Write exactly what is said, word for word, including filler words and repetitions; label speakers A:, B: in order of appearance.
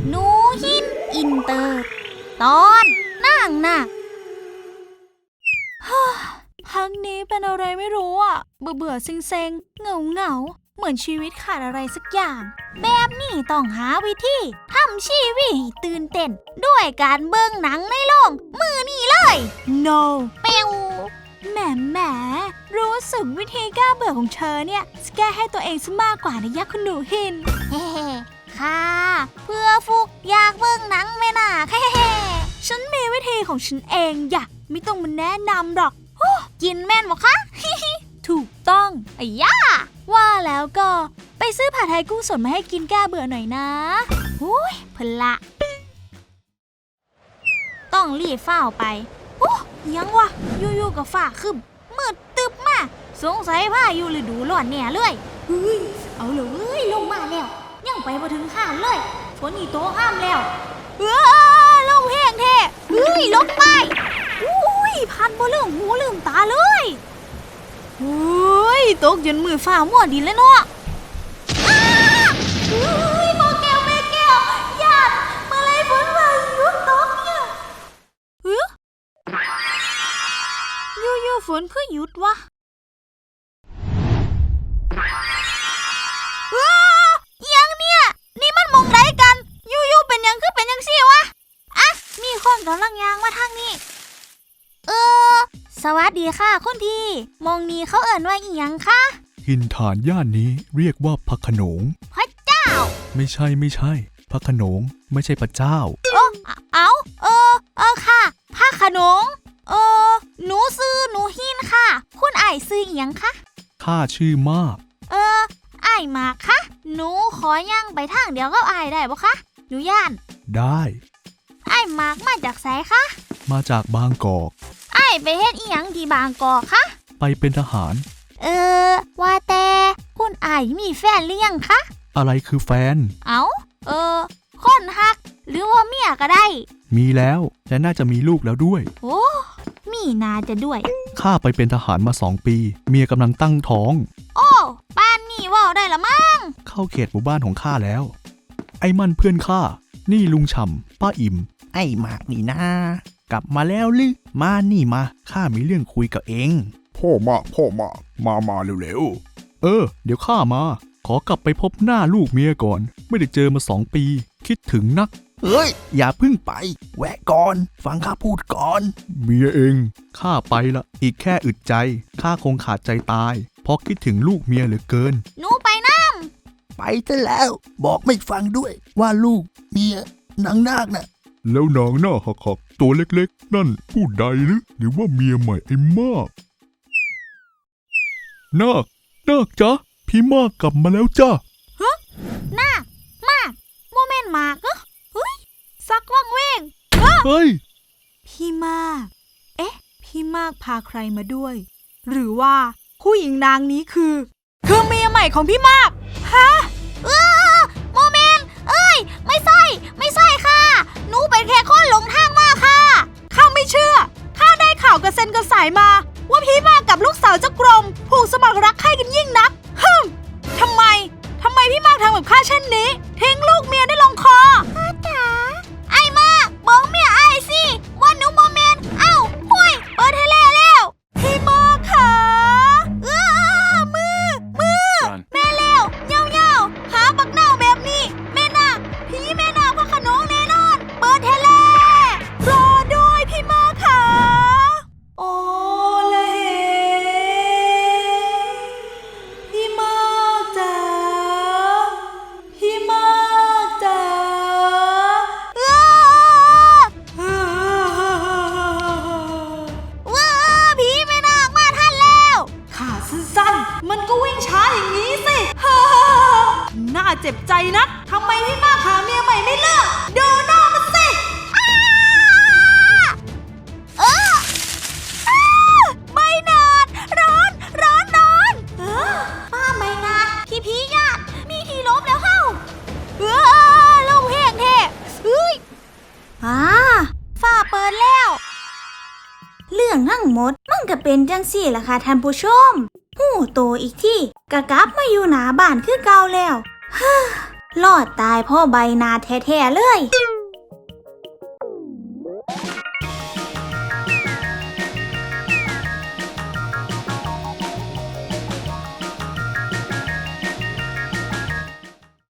A: หนูหินอินเตอร์ตอนนั่งน่ะพักนี้เป็นอะไรไม่รู้อ่ะเบื่อเบื่อเซ็งเซ็งเหงาเหงาเหมือนชีวิตขาดอะไรสักอย่างแบบนี้ต้องหาวิธีทำชีวิตให้ตื่นเต้นด้วยการเบิ่งหนังในโรงมือนี่เลย no เปียวแหมแหมรู้สึกวิธีแก้เบื่อของเธอเนี่ยจะแก้ให้ตัวเองซะมากกว่านะยักษ์คุณหนูหินเฮ้ค่ะเพื่อฟุกอยากเบิ่งหนังแม่น่ะเฮ้ฉันมีวิธีของฉันเองอย่าไม่ต้องมาแนะนำหรอกกินแม่นหรอคะถูกต้องไอ้ย่าว่าแล้วก็ไปซื้อผัดไทยกุ้งสดมาให้กินแก้เบื่อหน่อยนะหุ้ยพละต้องรีบฝ้าไปโอ้ยังวะยู่ๆกับฝ้าขึ้นมืดตึบมาสงสัยว่าอยู่ฤดูร้อนเนี่ยเลยเฮ้ยเอาเลยเว้ยลงมาแล้วยังไปมาถึงข้ามเลยฝนอีโตห้ามแล้วเออลงแห้งแท้เฮ้ยลงไปอุ้ยพันบ่ลืมหูลืมตาเลยเฮ้ยตกจนมือฝ่ามั่วดินแล้วเนาะเฮ้ยโมแก้วแม่แก้วญาติมาเลยฝนมาหยุดตกเนี่ยเฮ้ยอยู่ๆฝนคือหยุดวะยังเนี่ยนี่มันมองไรกันอยู่ๆเป็นยังคือเป็นยังซี่วะอ่ะมีคนกำลังยางมาทางนี้เออสวัสดีค่ะคุณพี่มองนี้เขาเอ่ยว่าอีหยังคะ
B: หินฐานย่านนี้เรียกว่าพระโขนง
A: พระเจ้า
B: ไม่ใช่ไม่ใช่พระโขนงไม่ใช่พระเจ้า
A: เออเอาเออเออค่ะพระโขนงเออหนูซื้อหนูหินค่ะคุณอ้ายซื้ออีหยังคะ
B: ข้าชื่อมาก
A: เอออ้ายมาคะหนูขอย่างไปทางเดียวกับอ้ายได้ปะคะหนูย่าน
B: ได้
A: อ้ายมากมาจากไสคะ
B: มาจากบางกอก
A: อ้ายไปเฮ็ดอีหยังที่บางกอกคะ
B: ไปเป็นทหาร
A: เออว่าแต่คุณอ้ายมีแฟนหรือยังคะ
B: อะไรคือแฟน
A: เอาเออคนฮักหรือว่าเมียก็ได้
B: มีแล้วและน่าจะมีลูกแล้วด้วย
A: โอ้มีนาจะด้วย
B: ข้าไปเป็นทหารมาสองปีเมียกำลังตั้งท้อง
A: โอ้บ้านนี่ว่าได้ละมั้ง
B: เข้าเขตหมู่บ้านของข้าแล้วไอ้มั่นเพื่อนข้านี่ลุงฉ่ำป้าอิ่มไอ้หมากนี่นะกลับมาแล้วหรือมานี่มาข้ามีเรื่องคุยกับเอง
C: พ่อมาพ่อมามามาเร็ว
B: ๆเออเดี๋ยวข้ามาขอกลับไปพบหน้าลูกเมียก่อนไม่ได้เจอมาสองปีคิดถึงนัก
C: เฮ้ยอย่าพึ่งไปแวะก่อนฟังข้าพูดก่อน
B: เมียเองข้าไปละอีกแค่อึดใจข้าคงขาดใจตายเพราะคิดถึงลูกเมียเหลือเกิน
A: หนูไปน้
C: ำไปซะแล้วบอกไม่ฟังด้วยว่าลูกเมียนางนาคน่ะ
B: แล้วนางหน้าหักๆตัวเล็กๆนั่นผู้ใดหรือหรือว่าเมียใหม่ไอ้มากนาคนาคจ๊ะพี่มากกลับมาแล้วจ้ะ
A: ฮะนาคมากโมเมนต์มากเหรอเฮ้ยสักว่างเวง
B: เฮ้ย
A: พี่มากเอ๊ะพี่มากพาใครมาด้วยหรือว่าผู้หญิงนางนี้คือคือเมียใหม่ของพี่มากฮะเออโมเมนต์เอ้ยไม่ใช่ไม่ใช่ค่ะหนูเป็นแค่คนหลงทางมาค่ะข้าไม่เชื่อข้าได้ข่าวกระเซ็นกระสายมาว่าพี่มากกับลูกสาวเจ้ากรมผูกสมัครรักใคร่กันยิ่งนักฮึมทำไมทำไมพี่มากทำกับข้าเช่นนี้ทิ้งลูกเมียได้ลงคอพ่อจ๋าไอ้มากบอกเมียไอ้สิว่าหนูโมเมนต์เอ้าห่วยเปิดให้แล้วแล้วพี่มากค่ะเออมือมือแม่แล้วเงาเงาหาปักเน่าแบบนี้แม่นาพี่แม่นาพระโขนงแน่นอนเปิดให้แล้วรอด้วยพี่มากค่ะโอ้เลยพี่มากจ๋าพี่มากจ๋าว้าว้าพี่แม่นาคมาทันแล้วขาสั้นๆมันก็วิ่งช้าอย่างนี้สิน่าเจ็บใจนักทำไมพี่มากหาเมียใหม่ไม่เลิกดูหน้ามันสิเออใบนาดร้อนร้อนร้อนเออป้าใบนาดที่พี่ญาติมีที่ล้มแล้วเข้าเออลงแห้งแท้เฮ้ยอ่าฝ้าเปิดแล้วเรื่องทั้งหมดมันก็เป็นจังสี่ล่ะค่ะท่านผู้ชมหูโตอีกที่กะกลับมาอยู่หน้าบ้านคือเก่าแล้ว
D: รอดตายเพ่อใบนาแท้ๆเลย